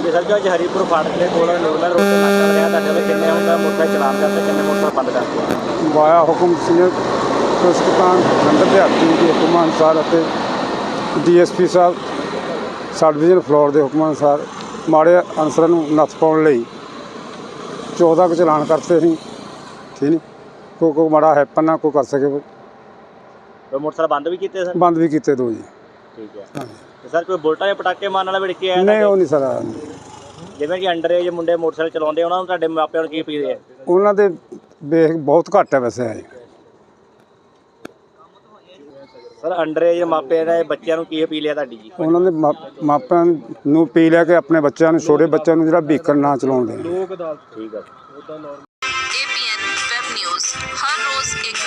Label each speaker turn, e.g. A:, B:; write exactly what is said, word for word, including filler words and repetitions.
A: ਹਾਂਜੀ ਸਰ ਜੀ, ਅੱਜ ਹਰੀਪੁਰ ਫਾਟਕ ਦੇ ਕੋਲ ਨਿਰਮਲ ਰੋਡ ਤੇ ਨਾਕਾ ਰਿਹਾ ਤੁਹਾਡੇ ਵੇ ਕਿੰਨੇ ਹੁੰਦਾ ਮੋਟਰਸਾਈਕਲ ਚਲਾਨ ਕਰਦੇ ਕਿੰਨੇ ਮੋਟਰਸਾਈਕਲ ਬੰਦ ਕਰਦੇ
B: ਵਾਇਆ ਹੁਕਮ ਸਿੰਘ ਪੁਸਤਕਾਂ ਨੰਬਰ ਦਿਹਾਤੀ ਦੇ ਹੁਕਮਾਂ ਅਨੁਸਾਰ ਅਤੇ ਡੀ ਐਸ ਪੀ ਸਾਹਿਬ ਸਬ ਡਿਵੀਜ਼ਨ ਫਲੋਰ ਦੇ ਹੁਕਮਾਂ ਅਨੁਸਾਰ ਮਾੜੇ ਅਨਸਰਾਂ ਨੂੰ ਨੱਥ ਪਾਉਣ ਲਈ ਚੌਦਾਂ ਕੁ ਚਲਾਨ ਕਰਤੇ ਸੀ। ਠੀਕ ਨਹੀਂ, ਕੋਈ ਕੋਈ ਮਾੜਾ ਹੈਪਨ ਨਾ ਕੋਈ ਕਰ ਸਕੇ,
A: ਮੋਟਰਸਾਈਕਲ ਬੰਦ ਵੀ ਕੀਤੇ ਸਰ?
B: ਬੰਦ ਵੀ ਕੀਤੇ ਦੋ ਜੀ।
A: ਠੀਕ ਹੈ ਤੇ ਸਰ ਕੋਈ ਬੁਲਟਾਂ ਜਾਂ ਪਟਾਕੇ ਮਾਰਨ ਵਾਲਾ ਵਿੜ ਕੇ ਆਇਆ?
B: ਨਹੀਂ ਉਹ ਨਹੀਂ ਸਰ,
A: ਜਿਵੇਂ ਕਿ ਅੰਡਰ ਏਜ ਮੁੰਡੇ ਮੋਟਰਸਾਈਕਲ ਚਲਾਉਂਦੇ ਉਹਨਾਂ ਨੂੰ ਤੁਹਾਡੇ ਮਾਪਿਆਂ ਨੂੰ ਕੀ ਅਪੀਲ ਹੈ?
B: ਉਹਨਾਂ ਦੇ ਵੇਖ ਬਹੁਤ ਘੱਟ ਹੈ ਵੈਸੇ ਹੈ।
A: ਸਰ ਅੰਡਰ ਏਜ ਮਾਪੇ ਨੇ ਬੱਚਿਆਂ ਨੂੰ ਕੀ ਅਪੀਲ ਹੈ ਤੁਹਾਡੀ ਜੀ?
B: ਉਹਨਾਂ ਦੇ ਮਾ ਮਾਪਿਆਂ ਨੂੰ ਅਪੀਲ ਹੈ ਕਿ ਆਪਣੇ ਬੱਚਿਆਂ ਨੂੰ, ਛੋਟੇ ਬੱਚਿਆਂ ਨੂੰ ਜਿਹੜਾ ਵਹੀਕਲ ਨਾ ਚਲਾਉਣ ਦੇਣ।
A: ਠੀਕ ਹੈ।
C: A P N web news हर रोज एक